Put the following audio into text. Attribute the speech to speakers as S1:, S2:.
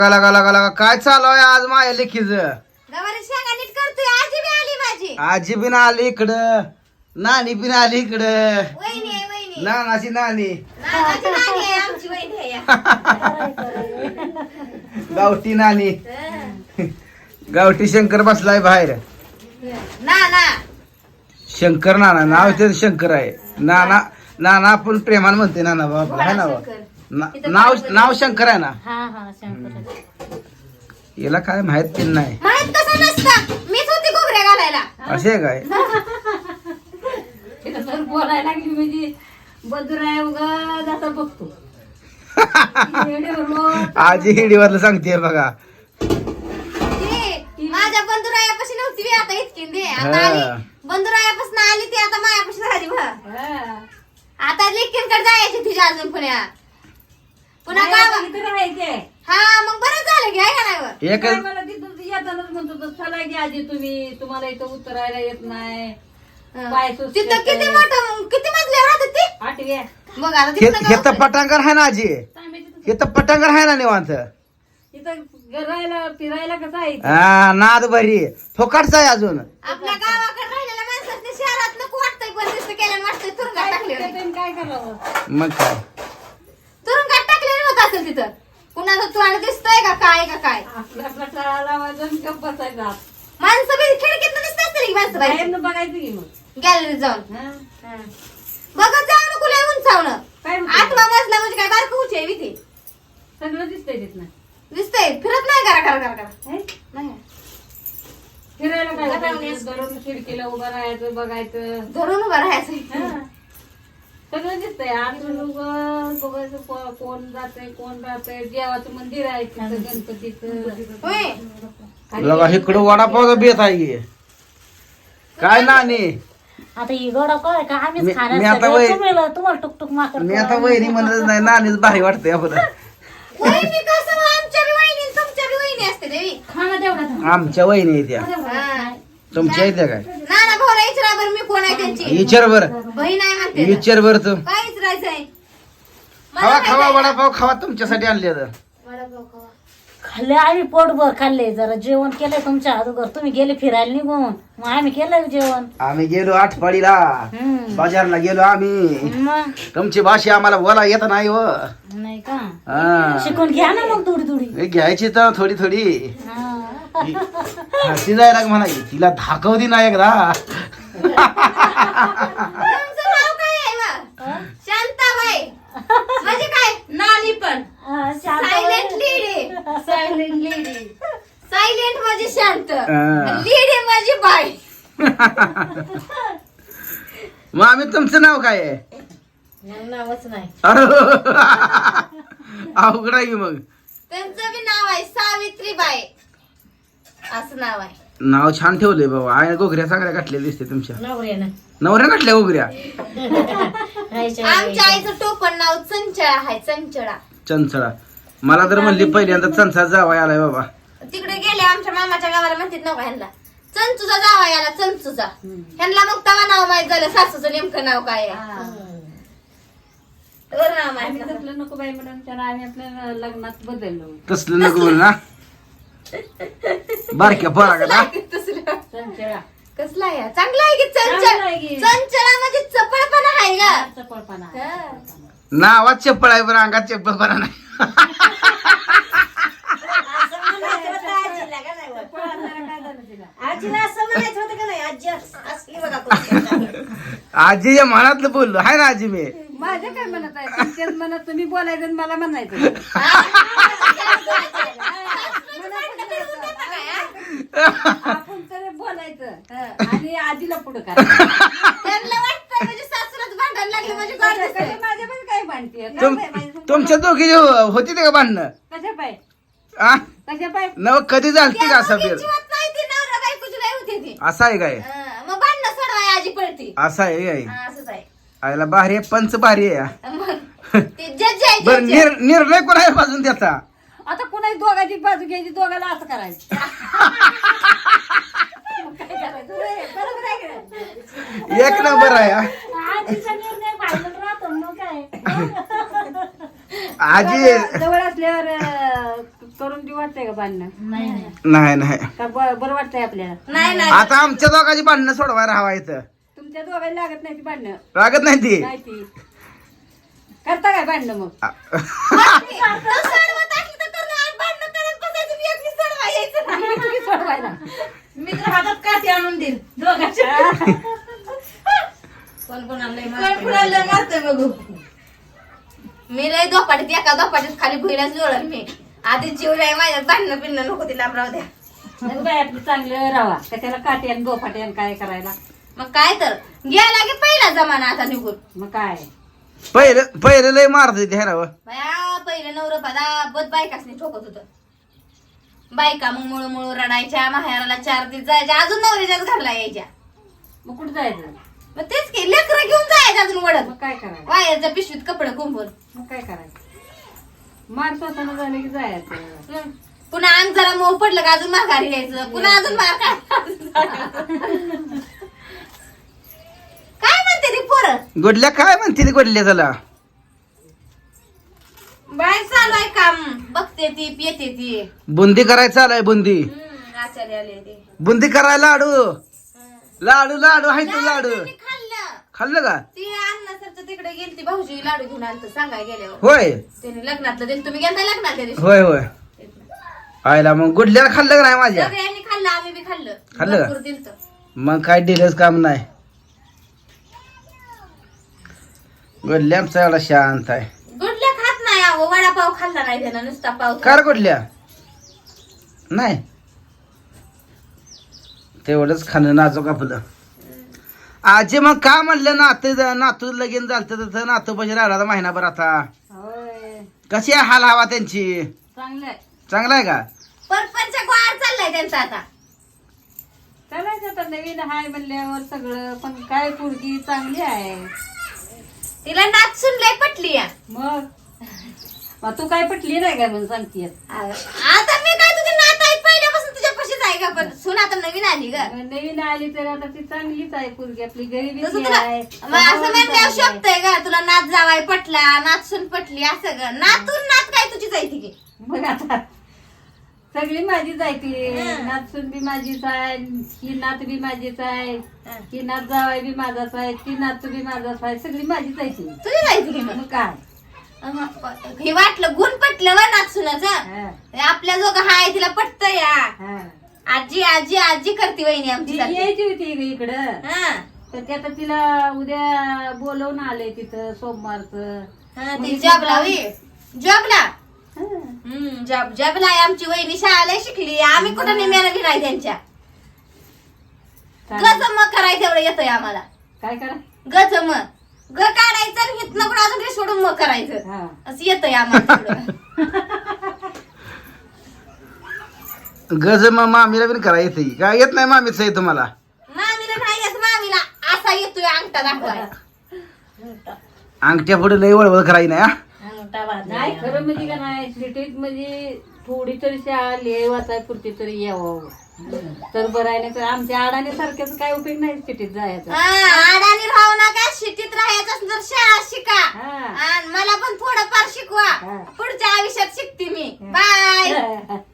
S1: लगा काय चालू आहे आज माझ्या लेखीच?
S2: गवारी शेंगा नीट करतोय. आजी बी आली माझी.
S1: आजी बिन आली इकडं, नानी बिन आली इकडं.
S2: वहिनी आहे वहिनी.
S1: नानाची नानी
S2: नानाची नानी आहे आमची वहिनी आहे या.
S1: गावठी नानी.
S2: हं.
S1: गावठी शंकर बसलाय बाहेर.
S2: नाना
S1: शंकर नाना नाव ते शंकर आहे. नाना नाना आपण प्रेमान म्हणते नाना बाबा आहे ना बा. नाव नाव शंकर आहे ना.
S3: हा हा शंकर
S1: याला काय माहित पण नाही.
S2: माहित कसं नसतं. मीच होती घुगऱ्या घालायला.
S1: असे आहे काय?
S3: बोलायला लागली म्हणजे बदुराय उगा जाता बघतो.
S1: आजी हिडीवरला सांगते बघा.
S2: ती माझ्या बंधुरायापाशी नव्हती बी आता इतकी दे. आता आली बंधुरायापासून आली ती आता मायापाशी झाली बघ. आता लेकींकडे जायची तिच्या अजून पुन्हा गावात
S3: राहायचे.
S2: हा मग बरं झालं की आहे का नाही बरं?
S1: एकच
S3: मला तिथून येतानाच म्हणतो चला की आजी तुम्हाला इथं उतरायला येत नाही. पाय सुस्त
S2: तिथं किती
S3: येतंय.
S2: मोठं किती मजल्यावर राहतात ती
S3: आठव्या
S2: बघ आता
S1: हे
S2: तिथनं
S1: हे तर
S2: गावात-
S1: पटांगर आहे ना आजी. हे तर पटांगर आहे ना निवांत.
S3: इथं राहायला फिरायला कसं आहे इथं?
S1: हा नाद भरी फोकाटचा आहे अजून.
S2: आपल्या गावाकडे राहिलेल्या माणसाने शहरात नको वाटतंय पण दिसतं केल्यानं वाटतंय तुरुंगात टाकले
S3: त्याच्यानं काय करावं?
S1: मग काय
S2: तुरुंगात टाकलेलं होत असेल तिथं कुणाचं तोंड दिसतंय का काय
S3: आपला आपला टाळा लावायचा आणि गप्प बसायचा.
S2: माणसं बी खिडकीत दिसत असतील की माणसं बाहेर
S3: बाहेरनं बघायचं की मग.
S2: गॅलरीत जाऊन
S3: हा?
S2: बघत जाऊ नको लय उंचावणं.
S3: काय म्हणते?
S2: 8वा मजला म्हणजे काय बारकं उंची आहे बी ती
S3: सगळं दिसतंय तिथनं.
S2: दिसतंय फिरत नाही करा
S3: हे?
S2: नाही
S3: फिरायला काय करायचं? दररोज खिडकीला उभं राहायचं बघायचं.
S2: धरून उभं राहायचं
S3: हा. सगळं दिसतंय. आतून उभं बघायचं कोण जातंय कोण राहतंय. देवाचं मंदिर आहे तिथं गणपतीचं.
S2: होय
S1: बघा इकडं वडापाव बेत आहे की. काय नानी
S3: आता ही गडा काय का आम्हीच
S1: मी आता
S3: खाण्याचं तुम्हाला टुकटुक माकर
S1: मी आता वहिनी म्हणत नाही नानीच भारी वाटतंय आपलं.
S2: वहिनी कसं आमच्या बी वहिनी आणि तुमच्या बी वहिनी असते देवी
S3: खाणं तेवढा
S1: आमच्या वहिनी येत्या
S2: हा.
S1: तुमच्या येत्या काय?
S2: नाना भाऊला विचारा बरं मी कोण आहे त्यांची
S1: विचार बर
S2: बहीण आहे म्हणते ना.
S1: विचार बर तू.
S2: काय विचारायचंय
S1: खावा खावा वडापाव खावा तुमच्यासाठी आणले तर.
S2: वडापाव खावा.
S3: खाल्ले आम्ही पोटभर खाल्ले. जरा जेवण केलंय तुमच्या अगोदर. तुम्ही गेले फिरायला निघून मग आम्ही केलं जेवण.
S1: आम्ही गेलो आठवाडीला
S3: हम्म.
S1: बाजारला गेलो आम्ही.
S3: मग
S1: तुमची भाषा आम्हाला बोला येत नाही व.
S3: नाही का
S1: हा.
S3: शिकून घ्या ना मग थोडी थोडी.
S1: हे घ्यायची तर थोडी थोडी.
S3: हा.
S1: हसी जायला म्हणाली तिला धाकवती ना एकदा.
S2: तुमचं नाव काय आहे बा? शांताबाई म्हणजे काय नानी पण
S3: हा, शांत
S2: सायलेंट लेडी सायलेंट म्हणजे शांत
S1: हा.
S2: लेडी म्हणजे बाई.
S1: मग आम्ही तुमचं नाव काय आहे?
S3: नावच नाही.
S1: अरे अवघड आहे की मग.
S2: त्यांचं बी नाव आहे सावित्रीबाई असं नाव आहे.
S1: नाव छान ठेवलंय बाबा. आहे गोगऱ्या चांगल्या काटलेल्या दिसते तुमच्या.
S3: नवऱ्यानं
S1: नवऱ्या काटल्या गोगऱ्या.
S2: आमच्या आईचं टोपण नाव चंचळा आहे चंचळा.
S1: चंचळा. मला तर म्हणली पहिल्यांदा चंचा जावा आलाय बाबा.
S2: तिकडे गेले आमच्या मामाच्या गावाला म्हणतात नव्हता ह्यांना चंचूचा जावा याला चंचूचा. ह्यांना मग तवा नाव माहित झालं सासूचं नेमकं नाव काय आहे. वर नाव माहित झालं.
S3: तसलं नको बाई म्हणून त्याला आम्ही आपल्या लग्नात बदललो.
S1: तसलं नको बोल ना. बारक्या पोरा का
S2: तसलं
S3: संचळा
S2: कसला आहे हा? चांगला आहे की
S3: चांगला आहे की.
S2: चंचळा म्हणजे चपळपणा आहे का.
S3: चपळपणा.
S2: हा.
S1: नावात चप्पल आहे पण अंगात चप्पल बरा नाही.
S3: आजीला असं म्हणायचं होतं का नाही? आजी असली बघा कोणती.
S1: आजीच्या मनातलं बोललो आहे ना आजी मी.
S3: माझं काय म्हणत आहे? तुमच्याच मनात तुम्ही बोलायचं आणि मला म्हणायचं. आपण तर बोलायचं आणि आजीला पुढं करायचं.
S2: त्यांना वाटतं म्हणजे सासूलाच भांडायला लागले म्हणजे गोड दिसतंय.
S3: माझ्या पण काय भांडते
S1: तुमच्या दोघी होती ते का भांडणं?
S3: कशा पाय
S1: आ?
S3: कशा पाय.
S1: नव कधी झालती का असं
S2: त्या
S1: फेर?
S2: दोघींची होत नाही ती नवरा बायकोची लय होती ती.
S1: असं आहे काय?
S2: मग भांडणं सोडवाय आजी पळती.
S1: असं आहे काय?
S2: हा, असंच आहे.
S1: आयला भारी आहे, पंच भारी आहे.
S2: मग ते जज आहे
S1: बर
S2: जज.
S1: निर्णय कोणा पासून त्याचा?
S3: आता कुणाची दोघाची बाजू घ्यायची दोघाला असं करायचं. मग काय करायचं रे? बरोबर आहे का नाही?
S1: एक नंबर आहे हा.
S3: आजीचा निर्णय फायनल राहतो मग काय.
S1: आजी
S3: जवळ असल्यावर करून ती वाटतंय का भांडणं
S1: नाही नाही
S3: का बरं वाटतंय आपल्याला
S2: नाही नाही
S1: आता आमच्या दोघांची भांडणं सोडवायला हवायचं
S3: तुमच्या दोघांना लागत नाही ती भांडणं
S1: लागत नाही ती
S3: नाही ती करता काय भांडणं मग
S2: तो सोडवत असली तर करू, आणि भांडणं करत बसायचं, मी एकटी सोडवा यायचं नाही.
S3: तुम्ही सोडवायला
S4: मी तर हातात काठी आणून देईल दोघांच्या कोण कोणाला मारतोय बघू.
S2: मी लय दोपाटीत एका दोपाटीत खाली भुईलाच जोडल मी. आधी जीव लय माझ्यात भांडणं पिणं नको तिला राहू द्या.
S3: मग बाय आपलं चांगलं राहा कशाला काठी आणि दोफाटी आणि काय करायला
S2: मग काय तर गेला की पहिला जमाना आता निघून.
S3: मग काय
S1: पहिले लय मारत होती हे ना व.
S2: बया पहिलं नवरं पदा बद बायकासनी ठोकत होत. बायका मग मुळू रडायच्या, माहेराला 4 दिवस जायच्या, अजून नवऱ्याच्याच घरला यायच्या.
S3: मग कुठं जायचं
S2: मग तेच की लेकरं घेऊन जायचं अजून वडत
S3: मग काय करायचं
S2: वायरच्या पिशवीत कपडे कुंभून.
S3: मग काय करायचं मार स्वतःला झालं की जायचं
S2: पुन्हा अंग जरा मोह पडलं का अजून माघारी यायचं, पुन्हा अजून मार काय म्हणते ती पोरं.
S1: गोडल्या काय म्हणते ती गोडल्या त्याला
S2: बाहेर चालू आहे काम, बघते ती पियते ती.
S1: बुंदी करायचं चालय बुंदी
S2: आचार्य आले ते.
S1: बुंदी करायला लाडू लाडू लाडू हाय तू लाडू
S2: मी खाल्लं.
S1: खाल्लं का
S2: ती अण्णासरचं तिकडे गेली, ती भाऊजी लाडू घेऊन आलत सांगाय गेल्यावर.
S1: होय
S2: त्याने लग्नातलं दिलं, तुम्ही गेलता लग्नात त्या दिवशी.
S1: होय होय आयला मग गुडल्याला खाल्लं का नाही माझ्या
S2: सगळ्यांनी खाल्लं, आम्ही बी खाल्लं.
S1: खाल्लं का?
S2: भरपूर दिलतं.
S1: मग काय दिलंच काम नाही गुडल्या आमचा एवढा शांत आहे
S2: गुडल्या खात नाही अहो, वडापाव खाल्ला नाही त्यानं, नुसता पाव.
S1: कार गुडल्या नाही तेवढंच खाणं नाजूक आपलं आजी मग का म्हणलं नातू लगीन झालं तर नातू पैसे राहिला महिनाभर आता
S3: होय
S1: कशी आहे हाल हवा त्यांची
S3: चांगलंय
S1: चांगला आहे का
S2: परपंच गोळा चाललाय त्यांचा आता.
S3: चालायचं आता नवीन हाय म्हणल्यावर सगळं पण काय पुरगी चांगली आहे
S2: तिला नाचून लय पटली या.
S3: मग तू काय पटली नाही काय म्हणून सांगते
S2: आता मी काय तुझी नात आहे पहिल्यापासून तुझ्यापाशीच आहे का, पण सून आता नवीन आली ग.
S3: नवीन आली तर आता ती चांगलीच आहे पुरगी आपली
S2: तसं
S3: गरीबी
S2: तुला
S3: आहे
S2: मग असं म्हणल्यावर शोभतंय का तुला नाच जावाय पटला, नाचून पटली असं ग. नातून नात काय तुझीच आहे ती.
S3: मग आता सगळी माझीच आहे ती
S2: हं.
S3: नाचून बी माझीच आहे, ही नात बी माझीच आहे, ही नात जावाय बी माझाच आहे, ती नातू बी माझाच आहे, सगळी माझीच आहे ती
S2: तुझीच आहे ती मग.
S3: मग काय
S2: हे वाटलं गुण पटलं व नाचुनाचं.
S3: हं.
S2: आपल्या जोग हाय तिला पटत या.
S3: हं.
S2: आजी आजी आजी करते वहिनी
S3: ती
S2: आमची सारखी.
S3: यायची होती ग इकडं
S2: हा.
S3: तर ते आता तिला उद्या बोलवून आले तिथं सोमवारचं
S2: हा,
S3: मग
S2: ती
S3: इथं
S2: जॉबला
S3: जाऊन-
S2: होई. जॉबला
S3: हं.
S2: जॉबला आहे आमची वहिनी, शाळेला शिकली. आम्ही कुठं निम्यानं बी नाही त्यांच्या.
S3: काय
S2: गजम करायचं तेवढं येतंय आम्हाला.
S3: काय करा
S2: गजम ग काढायचं आणि हिथनं कुठं अजून हे सोडून मग करायचं
S3: हा
S2: असं येतंय आम्हाला तेवढं.
S1: गज मग मामीला पण करा येते काय येत नाही मामीच आहे तुम्हाला
S2: मामीला नाही येत, मामीला असा येतोय अंगठा दाखवाय.
S1: अंगठ्या पुढे लय वळवळ करायची नाही हा
S3: नाही खरं म्हणजे का नाही सिटीत म्हणजे थोडी तरी शाळा लिहि वाचाय पुरती तरी यावं तर बरं आहे नाही तर आमच्या अडाणी सारख्याच काय उपयोग नाही सिटीत जायचा
S2: अडाणी राहू नका, शिटीत राहायचं असलं तर शाळा शिका.
S3: हा.
S2: आणि मला पण थोडंफार शिकवा.
S3: हा.
S2: पुढच्या आयुष्यात शिकते मी. बाय.